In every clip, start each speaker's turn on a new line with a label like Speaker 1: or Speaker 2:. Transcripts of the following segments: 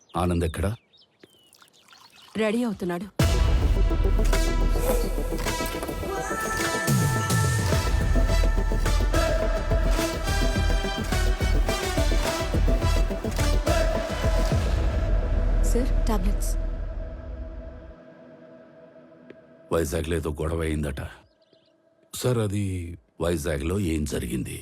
Speaker 1: ఆనంద్ ఎక్కడా?
Speaker 2: రెడీ అవుతున్నాడు. Sir, tablets.
Speaker 1: వైజాగ్లో ఏదో గొడవ అయిందట సార్. అది వైజాగ్లో ఏం జరిగింది?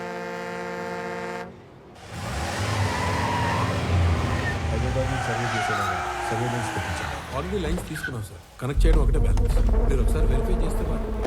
Speaker 3: ఆల్రెడీ లైన్స్ తీసుకున్నాం సార్. కనెక్ట్ చేయడం ఒకటే బ్యాలెన్స్. మీరు ఒకసారి వెరిఫై చేస్తే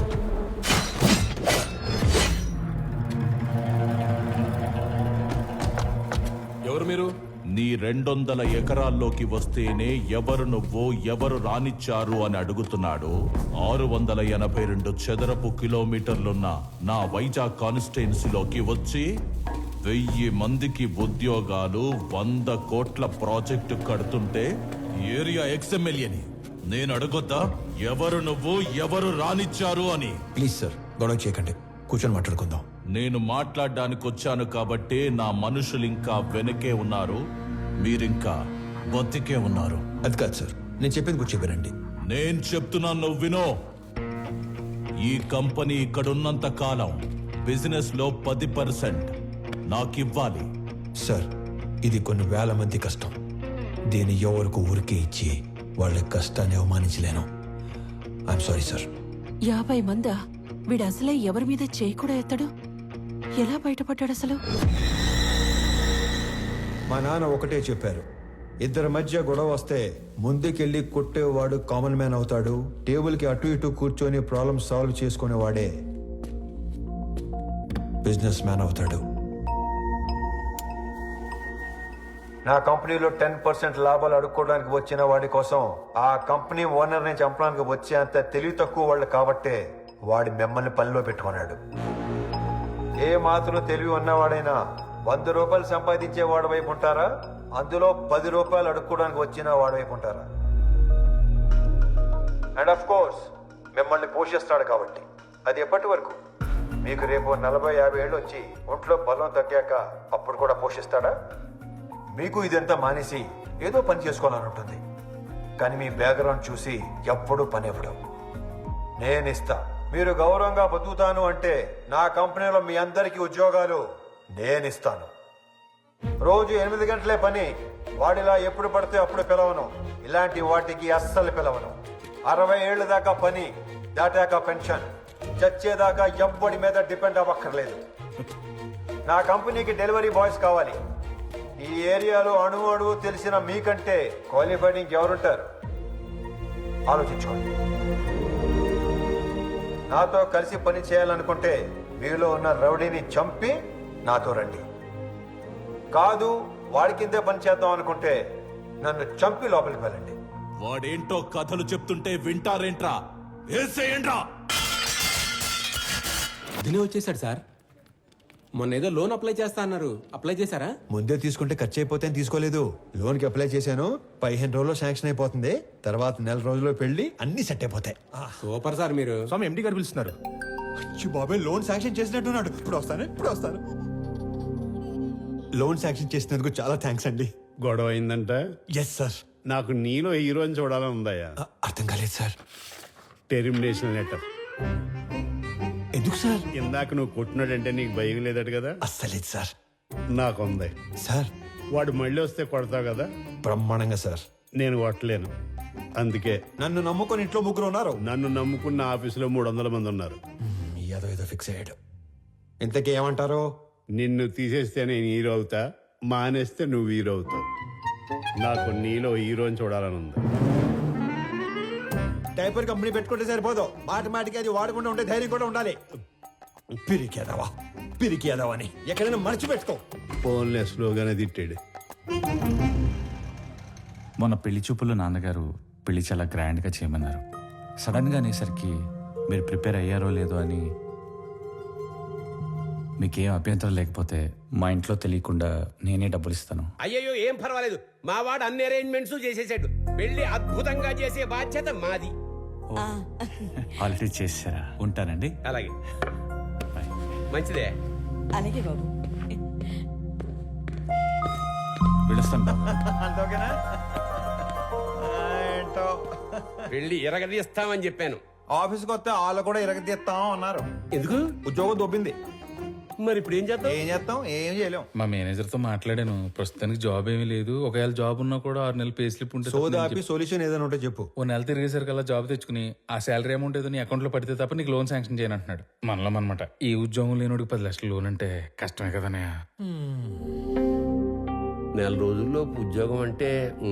Speaker 3: ఎవరు మీరు?
Speaker 4: నీ 200 ఎకరాల్లోకి వస్తేనే ఎవరు నువ్వు, ఎవరు రానిచ్చారు అని అడుగుతున్నాడు. 682 చదరపు కిలోమీటర్లున్న నా వైజాగ్ కాన్స్టిట్యున్సీలోకి వచ్చి 1000 మందికి ఉద్యోగాలు, 100 కోట్ల ప్రాజెక్టు కడుతుంటే ఏరియా ఎక్స్ఎమ్మెల్యేని నేను అడగొద్దా ఎవరు నువ్వు, ఎవరు రానిచ్చారు అని?
Speaker 5: ప్లీజ్ సార్, గొడవ చేయకండి, కూర్చొని మాట్లాడుకుందాం.
Speaker 4: నేను మాట్లాడడానికి వచ్చాను కాబట్టే నా మనుషులు ఇంకా వెనకే ఉన్నారు, మీరింకా బతికే ఉన్నారు.
Speaker 5: అది కాదు సార్, నేను చెప్పింది కూర్చో వినండి.
Speaker 4: నేను చెప్తున్నాను, నువ్వు వినో. ఈ కంపెనీ ఇక్కడున్నంత కాలం బిజినెస్ లో 10% నాకివ్వాలి.
Speaker 5: సార్, ఇది కొన్ని వేల మంది కష్టం. దీన్ని ఎవరికి ఊరికే ఇచ్చి వాళ్ళ కష్టాన్ని అవమానించలేను. I'm sorry sir.
Speaker 2: 50 మందా? వీడు అసలే ఎవరి మీద చేయి కూడా ఎత్తడు. ఎలా బయటపడ్డాడు అసలు?
Speaker 5: మా నాన్న ఒకటే చెప్పారు, ఇద్దరి మధ్య గొడవ వస్తే ముందుకెళ్ళి కొట్టేవాడు కామన్ మ్యాన్ అవుతాడు, టేబుల్కి అటు ఇటు కూర్చొని ప్రాబ్లం సాల్వ్ చేసుకునేవాడే బిజినెస్ మ్యాన్ అవుతాడు. నా కంపెనీలో 10% లాభాలు అడుక్కోవడానికి వచ్చిన వాడి కోసం ఆ కంపెనీ ఓనర్ని చంపడానికి వచ్చే అంత తెలివి తక్కువ వాళ్ళు కాబట్టే వాడి మిమ్మల్ని పనిలో పెట్టుకున్నాడు. ఏ మాత్రం తెలివి ఉన్నవాడైనా 100 రూపాయలు సంపాదించే వాడి వైపు ఉంటారా, అందులో 10 రూపాయలు అడుక్కోవడానికి వచ్చిన వాడి వైపు ఉంటారా? అండ్ ఆఫ్ కోర్స్ మిమ్మల్ని పోషిస్తాడు కాబట్టి. అది ఎప్పటి వరకు? మీకు రేపు 40-50 ఏళ్ళు వచ్చి ఒంట్లో బలం తగ్గాక అప్పుడు కూడా పోషిస్తాడా? మీకు ఇదంతా మానేసి ఏదో పని చేసుకోవాలని ఉంటుంది, కానీ మీ బ్యాక్గ్రౌండ్ చూసి ఎప్పుడూ పని ఇవ్వడం. నేను ఇస్తా. మీరు గౌరవంగా బతుకుతాను అంటే నా కంపెనీలో మీ అందరికీ ఉద్యోగాలు నేను ఇస్తాను. రోజు 8 గంటలే పని. వాడిలా ఎప్పుడు పడితే అప్పుడు పిలవను. ఇలాంటి వాటికి అస్సలు పిలవను. 60 ఏళ్ళ దాకా పని, దాటాక పెన్షన్. చచ్చేదాకా ఎవ్వడి మీద డిపెండ్ అవ్వక్కర్లేదు. నా కంపెనీకి డెలివరీ బాయ్స్ కావాలి. ఈ ఏరియాలో అణువు తెలిసిన మీకంటే క్వాలిఫైడ్ ఇంకెవరుంటారు? ఆలోచించుకోండి. నాతో కలిసి పని చేయాలనుకుంటే మీలో ఉన్న రౌడీని చంపి నాతో రండి. కాదు, వాడి కిందే పని చేద్దాం అనుకుంటే నన్ను చంపి లోపలికి వెళ్ళండి.
Speaker 4: వాడేంటో కథలు చెప్తుంటే వింటారేంట్రా? ఏసేయండ్రా.
Speaker 3: దినే వచ్చేసాడు సార్. మొన్న ఏదో లోన్ అప్లై చేస్తా అన్నారు, అప్లై చేశారా?
Speaker 5: ముందే తీసుకుంటే ఖర్చు అయిపోతే తీసుకోలేదు. లోన్కి అప్లై చేశాను, 15 రోజుల్లో శాంక్షన్ అయిపోతుంది. తర్వాత 1 రోజుల్లో పెళ్లి, అన్ని సెట్ అయిపోతాయి.
Speaker 3: Super sir. మీరు
Speaker 6: స్వామి ఎండి గారు పిలుస్తున్నారు.
Speaker 5: బాబాయ్ లోన్ శాంక్షన్ చేసినట్టున్నాడు. ఇప్పుడు వస్తాను. లోన్ శాంక్షన్ చేసినందుకు చాలా థ్యాంక్స్ అండి.
Speaker 7: గొడవ అయిందంట?
Speaker 5: Yes sir.
Speaker 7: నాకు నీలో హీరోని చూడాలని ఉందయ్యా.
Speaker 5: అర్థం కాలేదు సార్.
Speaker 7: Termination letter.
Speaker 5: ఎందుకు సార్?
Speaker 7: ఇందాక నువ్వు కొట్టినాడంటే నీకు భయం లేదట కదా?
Speaker 5: అస్సలేదు సార్.
Speaker 7: నాకుంది
Speaker 5: సార్.
Speaker 7: వాడు మళ్ళీ వస్తే కొడతావు కదా?
Speaker 5: బ్రహ్మాండంగా సార్.
Speaker 7: నేను కొట్టలేను, అందుకే.
Speaker 5: నన్ను నమ్ముకొని ఇంట్లో 3 ఉన్నారు.
Speaker 7: నన్ను నమ్ముకున్న ఆఫీసులో 300 మంది ఉన్నారు.
Speaker 5: ఏదో ఫిక్స్ అయ్యాడు. ఇంతకీ ఏమంటారు?
Speaker 7: నిన్ను తీసేస్తే నేను హీరో అవుతా, మానేస్తే నువ్వు హీరో అవుతావు. నాకు నీలో హీరోని చూడాలని ఉంది.
Speaker 5: డైపర్ కంపెనీ పెట్టుకుంటే సరిపోదు, మాటికి అది వాడకుండా ఉంటే ధైర్యం కూడా ఉండాలి. పిరికేదావా అని ఎక్కడైనా మర్చిపెట్టుకో.
Speaker 7: ఫోన్లే స్లోగానే తిట్టాడు.
Speaker 8: మొన్న పెళ్లి చూపుల్లో నాన్నగారు పెళ్లి చాలా గ్రాండ్గా చేయమన్నారు. సడన్గా అనేసరికి మీరు ప్రిపేర్ అయ్యారో లేదో అని. మీకేం అభ్యంతరం లేకపోతే మా ఇంట్లో తెలియకుండా నేనే డబ్బులు ఇస్తాను.
Speaker 9: అయ్యయ్యో, ఏం పర్వాలేదు. మా వాడు అన్ని అరేంజ్మెంట్స్ చేసేసాడు. పెళ్లి అద్భుతంగా చేసే బాధ్యత మాది.
Speaker 8: ఆల్రెడీ చేసారా? ఉంటానండి.
Speaker 9: అలాగే, మంచిదే.
Speaker 2: అలాగే బాబు.
Speaker 8: వీళ్ళ చేస్తాను బాబు.
Speaker 5: అంత ఓకేనా? ఏంటో
Speaker 9: వెళ్ళి ఎరగదీస్తామని చెప్పాను.
Speaker 5: ఆఫీస్కి వస్తే వాళ్ళు కూడా ఇరగదీస్తాం అన్నారు.
Speaker 9: ఎందుకు?
Speaker 5: ఉద్యోగం దొబ్బింది.
Speaker 9: మరి ఇప్పుడు ఏం చేద్దాం?
Speaker 5: ఏం చేస్తాం? ఏం చేయలేం.
Speaker 6: మా మేనేజర్తో మాట్లాడాను. ప్రస్తుతానికి జాబ్ ఏమీ లేదు. ఒకవేళ జాబ్ ఉన్నా కూడా 6 నెలలు పే స్లిప్ ఉంటే తప్ప
Speaker 5: సోదా
Speaker 6: నేను
Speaker 5: ఆపి సొల్యూషన్ ఏదైనా ఉంటే చెప్పు.
Speaker 6: ఓ నెల తిరిగేసరికల్లా జాబ్ తెచ్చుకుని ఆ శాలరీ అమౌంట్ ఏదో నీ అకౌంట్లో పడితే తప్ప నీకు లోన్ శాంక్షన్ చేయను అంటున్నాడు. మనలో అనమాట. ఈ ఉద్యోగం లేనోడికి 10 లక్షల లోన్ అంటే కష్టమే కదనయ్య.
Speaker 9: నెల రోజుల్లో ఉద్యోగం అంటే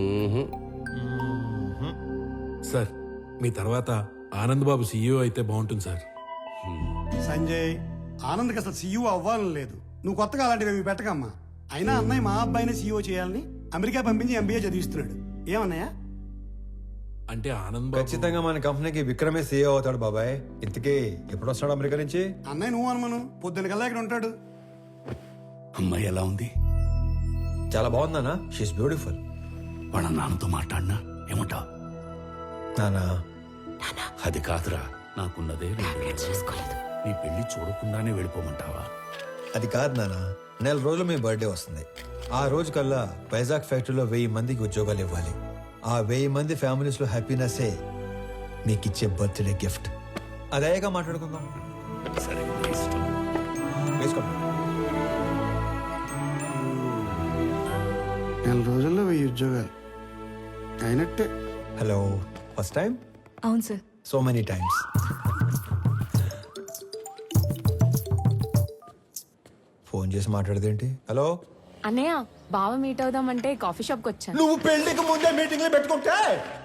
Speaker 3: సార్ మీ తర్వాత ఆనంద్ బాబు సీఈఓ అయితే బాగుంటుంది సార్.
Speaker 10: సంజయ్, ఆనంద్కి అసలు సీఈఓ అవ్వాలని లేదు. నువ్వు కొత్తగా అలాంటివి పెట్టకమ్మా. అయినా అన్నయ్య మా అబ్బాయిని సీఈఓ చేయాలని అమెరికా పంపించి ఎంబీఏ చదివిస్తున్నాడు. ఏమన్నయ్య?
Speaker 3: అంటే ఆనంద్ బాబు
Speaker 5: ఖచ్చితంగా మన కంపెనీకి విక్రమే సీఏ అవుతాడు బాబాయ్. ఇంతకీ ఎప్పుడు వస్తాడు అమెరికా నుంచి?
Speaker 10: అన్నయ్య నువ్వు అనుమను పొద్దున కల్లా ఇక్కడ ఉంటాడు.
Speaker 1: అమ్మాయి ఎలా ఉంది?
Speaker 5: చాలా బాగుందన్నా. She's beautiful.
Speaker 1: వాళ్ళ నాన్నతో మాట్లాడినా ఏమంటావు?
Speaker 5: నానా
Speaker 1: అది కాదురా, నాకున్నదే 2 నెలలు. నీ పెళ్లి చూడకుండానే వెళ్ళిపోమంటావా?
Speaker 5: అది కాదు నానా. నెల రోజులు మీ బర్త్డే వస్తుంది. ఆ రోజు కల్లా వైజాగ్ ఫ్యాక్టరీలో 1000 మందికి ఉద్యోగాలు ఇవ్వాలి. ఆ 1000 మంది ఫ్యామిలీస్ లో హ్యాపీనెస్సే మీకు ఇచ్చే బర్త్డే గిఫ్ట్. అదేగా మాట్లాడుకుందాం.
Speaker 1: సరే, నీ ఇష్టం.
Speaker 5: వేసుకోండి.
Speaker 10: నెల రోజుల్లో 1000 ఉద్యోగాలు అయినట్టే.
Speaker 5: Hello, first time?
Speaker 2: అవును sir.
Speaker 5: So many times. Phone చేసి మాట్లాడదేంటి? హలో
Speaker 11: అన్నయ్య, బావ మీట్ అవుదామంటే కాఫీ షాప్కి వచ్చాను.
Speaker 5: నువ్వు పెళ్లికి ముందే మీటింగ్లు పెట్టుకుంటే.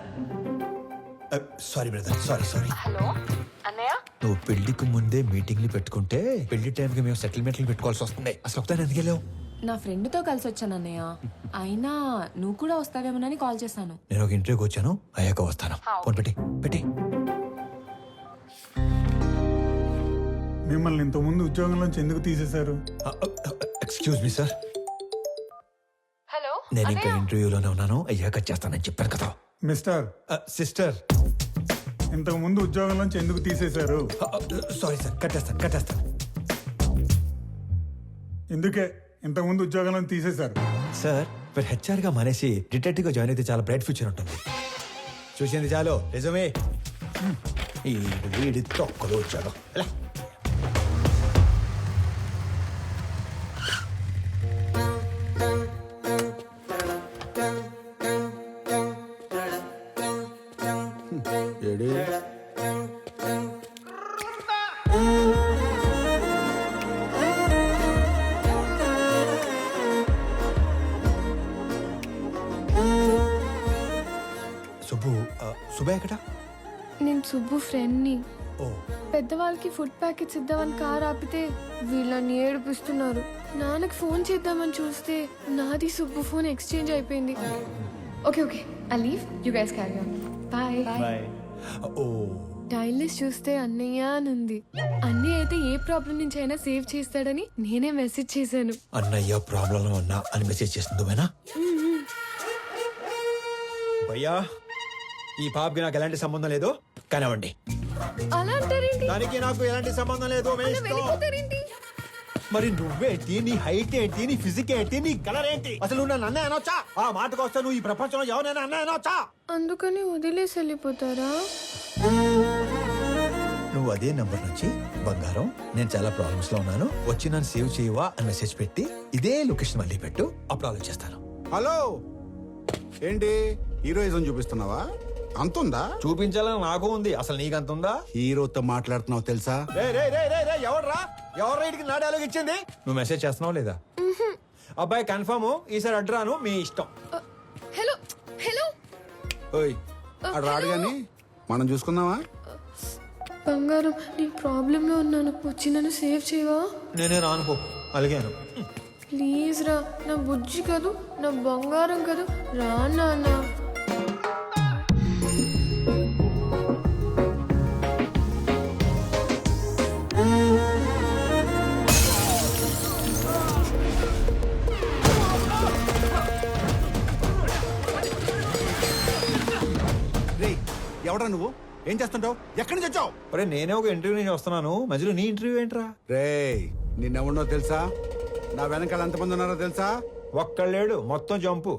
Speaker 5: Sorry brother, sorry.
Speaker 11: హలో అన్నయ్య,
Speaker 5: నువ్వు పెళ్లికి ముందే మీటింగ్లు పెట్టుకుంటే పెళ్లి టైంకి మేము సెటిల్మెంట్లు పెట్టుకోవాల్సి వస్తుంది. అసలు ఒకసారి ఎందుకు వెళ్ళావు?
Speaker 11: నా ఫ్రెండ్తో కలిసి వచ్చాను అన్నయ్య. అయినా నువ్వు కూడా వస్తావేమోనని కాల్ చేశాను.
Speaker 5: నేను ఒక ఇంటర్వ్యూకి వచ్చాను, అయ్యాక వస్తాను. ఫోన్ పెట్టి.
Speaker 10: మిమ్మల్ని ఇంతకుముందు ఉద్యోగంలోంచి ఎందుకు తీసేశారు?
Speaker 5: ఎక్స్క్యూజ్ మీ సార్,
Speaker 11: హలో
Speaker 5: నేను ఇంకా ఇంటర్వ్యూలోనే ఉన్నాను. అయ్యాక చేస్తానని చెప్పాను కదా.
Speaker 10: మిస్టర్,
Speaker 5: సిస్టర్,
Speaker 10: ఇంతకు ముందు ఉద్యోగంలోంచి ఎందుకు తీసేశారు?
Speaker 5: సారీ సార్, కట్టేస్తాను.
Speaker 10: ఎందుకే ఇంతకు ముందు ఉద్యోగంలో తీసేశారు?
Speaker 5: సార్, మీరు హెచ్ఆర్ గా మానేసి డిటెక్టివ్ గా జాయిన్ అయితే చాలా బ్రైట్ ఫ్యూచర్ ఉంటుంది. చూసింది చాలు, నిజమే. ఈ వీడి తొక్కలు వచ్చాడు. సుబ్బయ్య ఎక్కడ?
Speaker 11: నేను సుబ్బు ఫ్రెండ్ని.
Speaker 5: ఓ,
Speaker 11: పెద్దవాళ్ళకి ఫుడ్ ప్యాకెట్స్ ఇద్దామని కార్ ఆపితే వీళ్ళని ఏడిపిస్తున్నారు. నాన్నకి ఫోన్ చేద్దామని చూస్తే నాది సుబ్బు ఫోన్ ఎక్స్చేంజ్ అయిపోయింది. Okay I leave, you guys carry on. Bye.
Speaker 5: ఓ,
Speaker 11: డైల్ లిస్ట్ చూస్తే అన్నయ్య అని ఉంది. అన్నయ్య అయితే ఏ ప్రాబ్లం నుంచి అయినా సేవ్ చేస్తాడని నేనే మెసేజ్ చేశాను.
Speaker 5: అన్నయ్య ప్రాబ్లంలో ఉన్నా అని మెసేజ్ చేస్తుంది భయ్యా. ఈ పాపకి నాకు ఎలాంటి సంబంధం లేదు, కానివ్వండి.
Speaker 11: అలా అంటారేంటి?
Speaker 5: దానికి నాకు ఎలాంటి సంబంధం లేదు.
Speaker 11: వెళ్ళిపోతారేంటి?
Speaker 5: మరి నువ్వేంటి, నీ హైట్ ఏంటి, నీ ఫిజిక్ ఏంటి, నీ కలర్ ఏంటి? అసలు నువ్వు నన్ను అన్నయ్య అనొచ్చా? ఆ మాటకు వస్తే నువ్వు ఈ ప్రపంచంలో ఎవరైనా అన్నయ్య అనొచ్చా?
Speaker 11: అందుకని వదిలేసి వెళ్ళిపోతారా?
Speaker 5: నువ్వు అదే నంబర్ నుంచి బంగారం, నేను చాలా ప్రాబ్లమ్స్ లో ఉన్నాను, వచ్చి నన్ను సేవ్ చేయవా అని మెసేజ్ పెట్టి ఇదే లొకేషన్ మళ్ళీ పెట్టు, అప్పుడు ఆలోచిస్తాను.
Speaker 7: హలో, ఏంటి హీరోయిజం చూపిస్తున్నావా? అంతుందా?
Speaker 5: చూపించాలని నాకు ఉంది, అసలు నీకు అంత ఉందా?
Speaker 7: హీరోతో మాట్లాడుతున్నావు తెలుసా?
Speaker 5: ఎవరు రైట్కి నా డైలాగ్ ఇచ్చింది? నువ్వు మెసేజ్ చేస్తున్నావు లేదా? అబ్బాయి కన్ఫర్మ్, ఈసారి అడ్రాను, మీ ఇష్టం.
Speaker 11: హలో
Speaker 7: ఓయ్, అడు రాడు గాని మనం చూసుకుందామా?
Speaker 11: బంగారం, నేను ప్రాబ్లంలో ఉన్నాను, వచ్చి నన్ను సేవ్ చేయవా?
Speaker 5: నేనే రానుకో, అలిగాను.
Speaker 11: ప్లీజ్ రా, నా బుజ్జి కదూ, నా బంగారం కదూ, రా నాన్న.
Speaker 7: ఎవడా నువ్వు? ఏం చేస్తుంటావు? ఎక్కడి నుంచి వచ్చావు?
Speaker 5: అరే నేనే ఒక ఇంటర్వ్యూ నుంచి వస్తున్నాను, మధ్యలో నీ ఇంటర్వ్యూ ఏంట్రా?
Speaker 7: రే, నిన్నెవడో తెలుసా? నా వెనకాల ఎంతమంది ఉన్నారో తెలుసా?
Speaker 5: ఒక్కళ్ళేడు మొత్తం జంపు.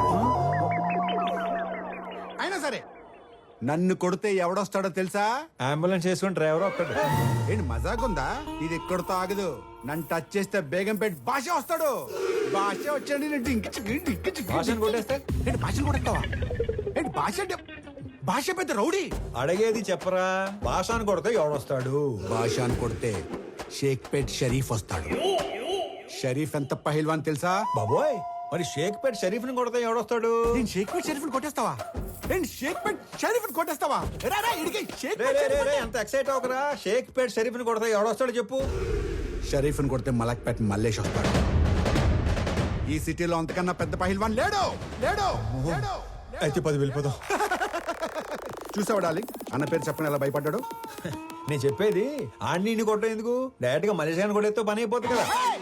Speaker 12: అయినా సరే నన్ను కొడితే ఎవడొస్తాడో తెలుసా?
Speaker 5: అంబులెన్స్ చేసుకుని డ్రైవర్ ఒక్కడు.
Speaker 12: ఏంటి మజాకుందా? ఇది ఎక్కడితో ఆగదు. నన్ను టచ్ చేస్తే బేగంపేట భాష వస్తాడు. భాష వచ్చాడు
Speaker 5: భాషను కొట్టేస్తే
Speaker 12: ఏంటి భాషను కొడతావా? ఏంటి భాష అంటే భాష పెద్ద రౌడీ.
Speaker 5: అడిగేది చెప్పరా, భాషను కొడితే ఎవడొస్తాడు?
Speaker 12: భాషను కొడితే షేక్పేట్ షరీఫ్ వస్తాడు. షరీఫ్ ఎంత పహిల్వాన్ తెలుసా?
Speaker 5: బాబోయ్, మరి షేక్పేట్ షరీఫ్ ని కొడితే ఎవడొస్తాడు?
Speaker 12: నేను షేక్పేట్ షరీఫ్ కొట్టేస్తావా? ఏంటి షేక్పేట్ షరీఫ్ కొట్టేస్తావా? రా, రా, ఇడికి
Speaker 5: రే,
Speaker 12: షేక్పేట్
Speaker 5: రే, రే,
Speaker 12: షరీఫ్
Speaker 5: రే, ఎంత ఎక్సైట్ అవకరా. షేక్పేట్ షరీఫ్ ని కొడితే ఎవడొస్తాడు చెప్పు?
Speaker 12: షరీఫ్ కొడితే మలక్పేట్ మల్లేష్ వస్తాడు. ఈ సిటీలో అంతకన్నా పెద్ద పహిల్వాన్ లేడు. లేడు, లేడు.
Speaker 5: అయితే 10 వెళ్ళిపోదాం.
Speaker 12: చూసావా డార్లింగ్, అన్న పేరు చెప్పని ఎలా భయపడ్డాడు.
Speaker 5: నేను చెప్పేది ఆడిని కొట్టడం ఎందుకు, డైరెక్ట్ గా మలేషియాని కొట్టేస్తే పని అయిపోతుంది కదా.